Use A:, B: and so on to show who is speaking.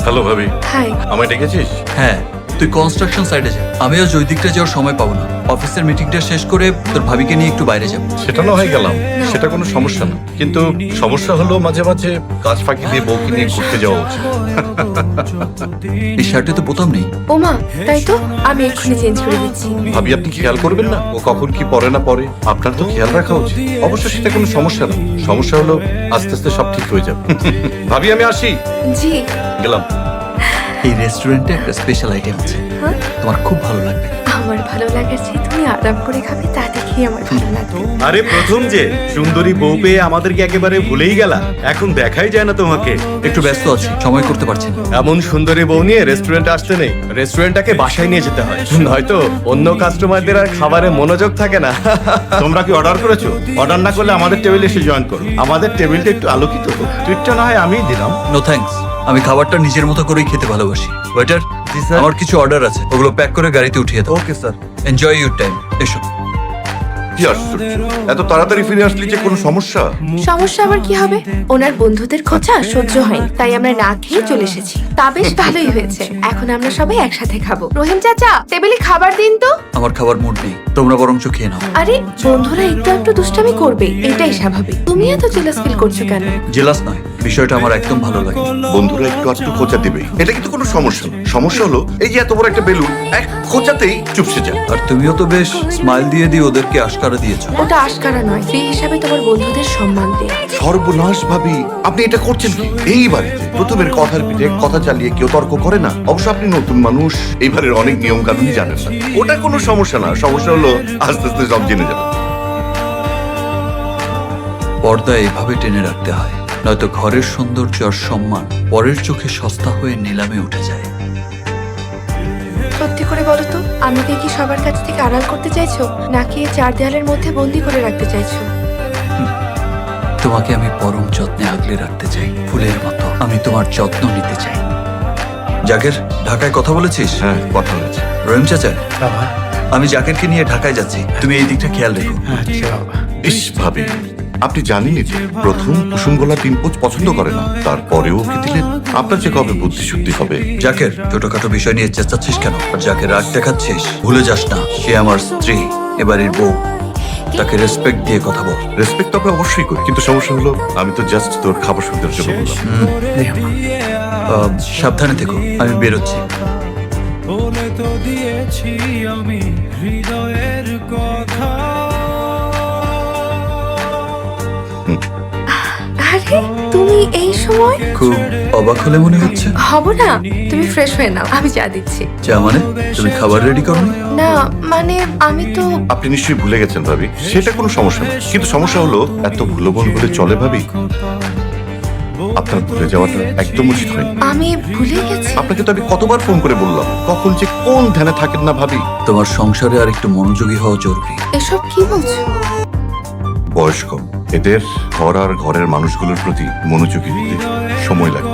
A: Hello ভাবি।
B: High.
A: আমায় ডেকেছিস?
C: হ্যাঁ, তুই কনস্ট্রাকশন সাইডে যা। আমি আজ ওই দিকটা যাওয়ার সময় পাবো না। অফিসের মিটিংটা শেষ করে তোর ভাবিকে নিয়ে একটু বাইরে যাবো।
A: সেটা না হয় গেলাম, সেটা কোনো সমস্যা না, কিন্তু সমস্যা হলো মাঝে মাঝে কাজ ফাঁকি দিয়ে বউকে নিয়ে ঘুরতে যাওয়া উচিত।
C: এই শার্টে তো বোতাম নেই।
B: ওমা, তাই তো আমি এক্ষুনি চেঞ্জ করে দিচ্ছি।
A: ভাবি আপনি খেয়াল করবেন না ও কখন কি পরে না পরে? আপনার তো খেয়াল রাখা উচিত। অবশ্য সেটা কোনো সমস্যা না, সমস্যা হলো আস্তে আস্তে সব ঠিক হয়ে যাবে। ভাবি আমি আসি,
B: জি।
A: গেলাম।
C: এই রেস্টুরেন্টে একটা স্পেশাল আইটেম আছে,
B: হ্যাঁ?
C: তোমার খুব ভালো লাগবে।
B: আমার ভালো লাগার চেয়ে তুমি আরাম করে খাবে, তা দেখেই আমার ভালো লাগবে।
D: আরে প্রথম যে সুন্দরী বউ পেয়ে আমাদেরকে একেবারে ভুলেই গেলা, এখন দেখাই যায় না তোমাকে।
C: একটু ব্যস্ত আছি, সময় করতে পারছি না।
D: এমন সুন্দরী বউ নিয়ে রেস্টুরেন্টে আসতে নেই, রেস্টুরেন্টটাকে বাসায় নিয়ে যেতে হয়, নয়তো অন্য কাস্টমারদের আর খাবারে মনোযোগ থাকে না।
E: তোমরা কি অর্ডার করেছো? অর্ডার না করলে আমাদের টেবিলে এসে জয়েন করো। আমাদের টেবিলটা একটু আলোকিত তো। ট্রিটটা না হয় আমিই দিলাম।
C: নো থ্যাঙ্কস, আমি খাবারটা নিজের মতো করেই খেতে ভালোবাসি। ওয়েটার, আমার কিছু অর্ডার আছে, ওগুলো প্যাক করে গাড়িতে উঠিয়ে দাও।
D: Okay sir.
C: Enjoy your time. এসো।
A: কি আশ্চর্য, এত তাড়াতাড়ি ফিরে আসলি যে কোনো সমস্যা?
B: সমস্যা আবার কি হবে? ওনার বন্ধুদের খোঁচা সহ্য হয়নি, তাই আমরা না খেয়ে চলে এসেছি। তা বেশ ভালোই হয়েছে, এখন আমরা সবাই একসাথে খাবো। রহিম চাচা, টেবিলে খাবার দিন তো।
C: আমার খাবার মুড নেই, তোমরা বরঞ্চ খেয়ে নাও।
B: আরে বন্ধুরা একটু একটু দুষ্টামি করবে, এটাই স্বাভাবিক। তুমি এত জেলাস ফিল করছো কেন?
C: জেলাস নয়, বিষয়টা আমার একদম ভালো লাগে।
A: বন্ধুরা একটু আধটু খোঁচা দিবে, এটা কিন্তু কোনো সমস্যা না। সমস্যা হলো এই যে এত বড় একটা বেলুন এক খোঁচাতেই চুপসে যায়।
C: আর তুমিও তো বেশ স্মাইল দিয়ে দিয়ে ওদেরকে আশকারা দিয়েছো।
B: ওটা আশকারা নয়, সেই হিসাবে তোমার বন্ধুদের সম্মান দেয়া।
A: সর্বনাশ ভাবি, আপনি এটা করছেন কি? এই বাড়িতে প্রথমের কথার পিঠে কথা চালিয়ে কেউ তর্ক করে না। অবশ্য আপনি নতুন মানুষ, এইবারের অনেক নিয়ম কানুন জানেন না। ওটা কোনো সমস্যা না, সমস্যা হলো আস্তে আস্তে সব জেনে যাবে।
C: পর্দা এভাবে টেনে রাখতে হয়, নয়তো ঘরের সৌন্দর্য আর সম্মান পরের চোখে সস্তা হয়ে নিলামে উঠে যায়।
B: সত্যি করে বলো তো, আমাকে কি সবার কাছ থেকে আড়াল করতে চাইছো, নাকি এই চার দেয়ালের মধ্যে বন্দি করে রাখতে চাইছো?
C: তোমাকে আমি পরম যত্নে আগলে রাখতে চাই, ফুলের মতো। আমি তোমার যত্ন নিতে চাই। জাকের, ঢাকায় কথা বলেছিস?
A: হ্যাঁ, কথা হয়েছে।
C: রহিম চাচা, আমি জাকেরকে নিয়ে ঢাকায় যাচ্ছি, তুমি এই দিকটা খেয়াল রেখো।
A: ইস ভাবি, আপনি জানেনই তো প্রথম কুসুম গোলা 3 পোচ পছন্দ করে না, তারপরেও কি দিলেন? আপনার যে কবে বুদ্ধি শুদ্ধি হবে?
C: জাকের, ছোটখাটো বিষয় নিয়ে চেঁচাচ্ছিস কেন? আর যাকে রাগ দেখাচ্ছিস, ভুলে যাস না সে আমার স্ত্রী, এবারের বউ। তাকে রেসপেক্ট দিয়ে কথা বল।
A: রেসপেক্ট তো আমরা অবশ্যই করি, কিন্তু সমস্যা হলো আমি তো জাস্ট তোর খাবার সুবিধার জন্য বললাম।
C: সাবধানে থেকো, আমি বেরোচ্ছি।
F: বলে তো দিয়েছি আমি হৃদয়ের কথা।
B: আরে তুমি এই সময়?
C: খুব অবাক হলে মনে হচ্ছে।
B: হব না, তুমি ফ্রেশ হয়ে নাও, আমি চা দিচ্ছি।
C: চা মানে? তুমি খাবার রেডি করো?
B: না মানে আমি তো।
A: আপনি নিশ্চয়ই ভুলে গেছেন ভাবি, সেটা কোনো সমস্যা না, কিন্তু সমস্যা হলো এত ভুলবন বলে চলে ভাবি? আপনার ভুলে যাওয়াটা একদম উচিত হয়নি।
B: আমি ভুলে গেছি।
A: আপনাকে তো আমি কতবার ফোন করে বললাম, কখন যে কোন ধ্যানে থাকেন না ভাবি।
C: তোমার সংসারে আর একটু মনোযোগী হওয়া জরুরি।
B: এসব কি বলছো?
A: বয়স কম, এদের ঘর আর ঘরের মানুষগুলোর প্রতি মনোযোগী হতে সময় লাগবে।